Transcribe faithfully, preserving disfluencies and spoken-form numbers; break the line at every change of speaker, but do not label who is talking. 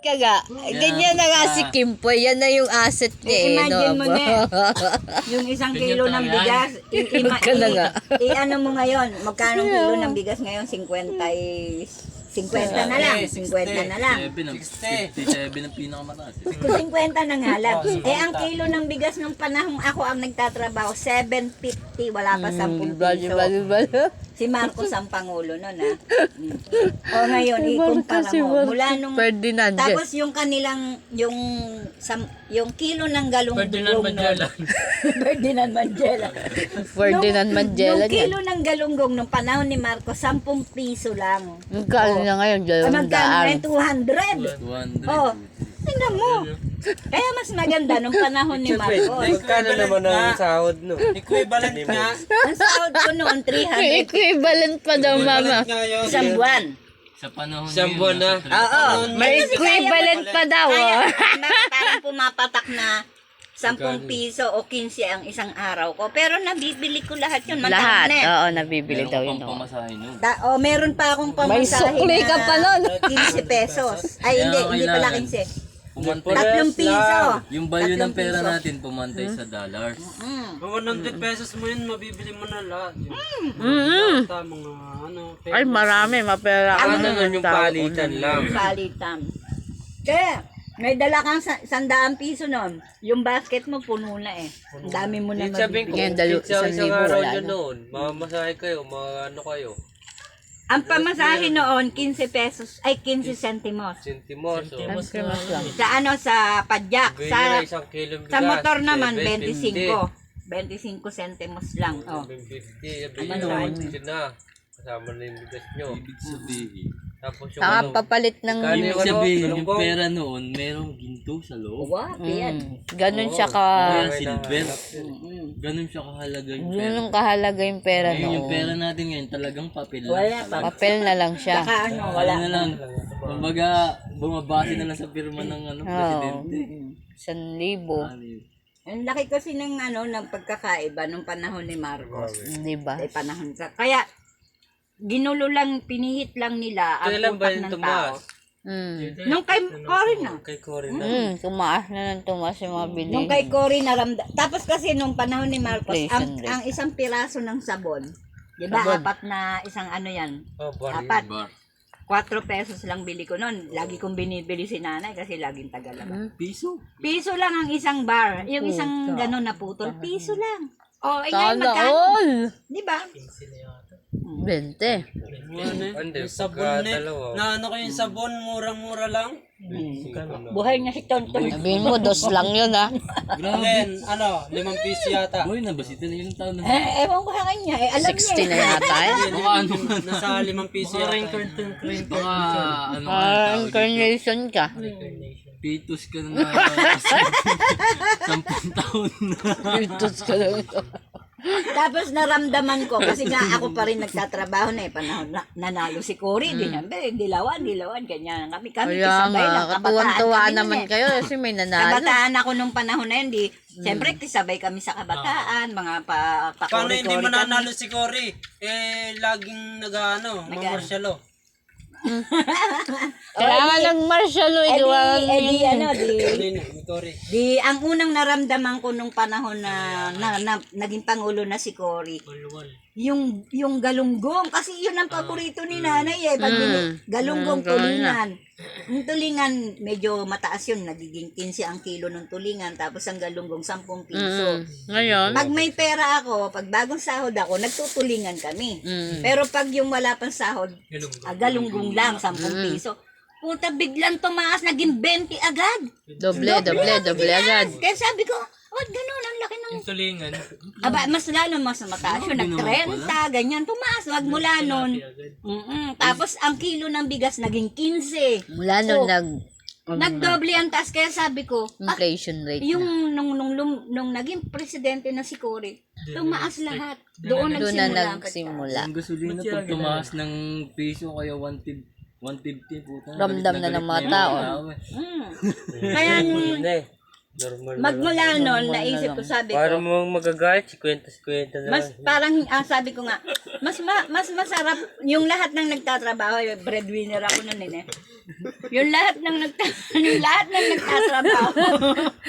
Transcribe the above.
Kaga, ganyan na nga si Kimpoy. Yan na yung asset niya eh.
Imagine mo
no?
na yung isang kilo ng bigas. I, ima,
Ka na nga.
i, i, ano mo ngayon, magkano kilo ng bigas ngayon? fifty y fifty na lang. fifty na lang.
fifty-seven ang pinakamataas.
Kung fifty na nga lang. Eh, ang kilo ng bigas nung panahong ako ang nagtatrabaho, seven fifty, wala pa ten
Bali,
piso.
bali, bali.
Si Marcos ang pangulo nun, ha? Mm. O ngayon,
Si
ikumpara
Marcos, si
mo.
Marcos.
Mula nung...
Ferdinand.
Tapos yung kanilang, yung sam, yung kilo ng galunggong
Ferdinand Mandela.
Ferdinand Mandela.
Ferdinand
Nung-
Mandela
Yung
niyan.
kilo ng galunggong nung panahon ni Marcos, ten piso lang.
Magkano na ngayon?
Ay,
Dalawang
magkano
daan.
ngayon? two hundred.
two hundred.
Oh, tingnan mo. Kaya mas maganda nung panahon ni Marcos.
Magkano naman ang sahod no?
Equivalent nga.
Ang sahod ko noon, three hundred.
Equivalent pa daw, mama.
Nga yun.
Isang buwan.
Sa panahon
Isang buwan na.
Oo.
May equivalent pa daw,
Kaya,
oh.
parang pumapatak na ten piso o fifteen ang isang araw ko. Pero nabibili ko lahat yun. Magkano
Lahat.
na eh.
Oo, nabibili daw yun.
Meron
oh.
pang pamasahe nun.
Da, oh, meron pa akong
May
pamasahe
sukli ka pa nun.
fifteen pesos. Ay, hindi.
Kaya
Hindi pala
kailangan.
fifteen.
Pumantay.
Tatlong piso.
Yung value ng
Tatlong
pera
piso.
natin pumantay sa dollars.
Mm.
Kung one hundred pesos mo yun, mabibili mo na lahat. Yung
Mm-mm.
bata, mga ano.
Ay, marami. Mapera ka
Ano
na
naman yung palitan lang?
Palitan. Kaya, may dala kang sa- sandaan piso nun. Yung basket mo, puno na eh. Ang dami mo na
Yung sabihin ko,
mabibili.
Ngayon, dalo-
isang,
isang
isang
libo,
araw
wala
nyo
na.
noon, mamasahe kayo, mga ano kayo,
Ang pamasahe noon, fifteen pesos, ay fifteen centimos.
sentimos, o.
Christmas lang.
Sa ano, sa padyak.
Bili na
Sa,
isang kilong bigas.
sa motor naman,
seven
twenty-five. twenty-five centimos lang. Oh.
seven fifty, sabi
Ano
nyo,
naman?
yun na. Kasama na yung bigas nyo.
Ibig sabihin,
Tapos yung
Saka
ano,
papalit ng...
Kano
ibig
ano,
sabihin, yung
galunggong?
pera noon, merong ginto sa loob.
Wow, yan.
Mm, ganun siya ka...
Kaya
may
silver.
Mm.
Ganun siya kahalaga yung pera.
Ganun ang kahalaga yung pera
Ngayon, yung pera
noon.
natin ngayon, talagang papel lang.
Wala pa.
Papel na lang siya.
Saka ano,
Wala
wala.
na lang. Kumbaga, bumabase na lang sa pirma ng ano,
Oo.
presidente.
San libo.
Ano yun?
Ang laki kasi ng ano, ng pagkakaiba nung panahon ni Marcos.
Di ba?
Ay panahon sa. Kaya, ginulo lang, pinihit lang nila ang
kailan ba
utak
yung
ng tao.
tumaas?
Mm.
Nung kay Cory na.
Kay Cory na.
Mm, tumaas na ng tumaas yung mga bilihin.
Nung kay Cory naramda. Tapos kasi nung panahon ni Marcos, ang,
Inflation rate.
ang isang piraso ng sabon, di ba,
Sabon.
apat na isang ano yan,
Oh, baril.
apat,
Bar.
Quatro pesos lang bili ko noon. Lagi kong binibili si nanay kasi laging tagalaba.
Piso.
Piso lang ang isang bar. Yung isang gano'n na putol, piso lang. O, oh, ngayon
Sana
magkano?
all!
Di ba?
Bente.
Ano eh,
Hindi,
yung sabon eh.
dalawa.
Na ano ko yung sabon, murang-mura lang.
Buhay niya si Tonton.
Sabihin mo, dos lang yun ha.
Grabe.
Then, ano, limang piso yata.
Boy, nabasita na yung taon na.
Eh, ewan ko sa kanya. Eh, alam
sixty na
niya.
yata eh.
Baka ano nga.
Nasa limang piso yata.
Baka ano nga
Ah,
tawag dito.
incarnation ka.
Pitos ka na nga. Sampung taon na.
Pitos ka lang ito.
Tapos naramdaman ko, kasi nga ako pa rin nagtatrabaho na eh, panahon na, nanalo si Cory, di naman, eh, dilawan, dilawan, ganyan. Kami, kami,
Kaya
kisabay lang,
nga,
kabataan
katuwan-tuwa
kami nun
naman
eh.
kayo kasi may nanalo.
Kabataan ako nung panahon na yun, di, siyempre, kisabay kami sa kabataan, mga pa, pa
Paano hindi
Cory-Cory
mananalo si Cory? Eh, laging nag-ano, mamarsyalo.
Kailangan ng martial law.
Eh,
Idiwan
di, eh, di, ano, di,
Ano yun, ni Cory?
di, ang unang naramdaman ko nung panahon na, na, na naging pangulo na si Cory, yung yung galunggong kasi yun ang paborito ni nanay eh pag bini- galunggong
Mm,
tulingan. Yung tulingan medyo mataas yun, nagiging fifteen ang kilo ng tulingan tapos ang galunggong ten piso.
Mm. Ngayon,
Pag may pera ako, pag bagong sahod ako, nagtutulingan kami.
Mm.
Pero pag yung wala pang sahod, ah, galunggong lang, ten piso. Puta, biglang tumaas, naging twenty agad.
doble, doble, doble agad.
Kaya sabi ko, oh, ganun, ang laki ng...
Tulingan.
Aba, mas lalo, mas mataas yun, nag-trenta, ganyan, tumaas, magmula nun. Mm-mm. Tapos, ang kilo ng bigas, naging fifteen.
Mula nung
So,
nag
Nagdoble ang taas, kaya sabi ko, ah,
inflation rate na.
yung nung, nung, nung, nung naging presidente na si Cory, tumaas lahat. Doon
Doon na
nagsimula. ang
nagsimula.
Ang gasolina pag tumaas ng piso kaya one fifty puta.
Ramdam na ng mga tao.
pagka- Mm. Kaya,
Hindi. Normal na
Magmula noon, naisip ko, sabi
Para
ko,
mo magagalit, si kwenta-kwenta na
mas
lang.
parang, ah, sabi ko nga, mas ma, mas masarap, yung lahat ng nagtatrabaho, yung breadwinner ako noon eh. Yung lahat ng nagta, yung lahat ng nagtatrabaho,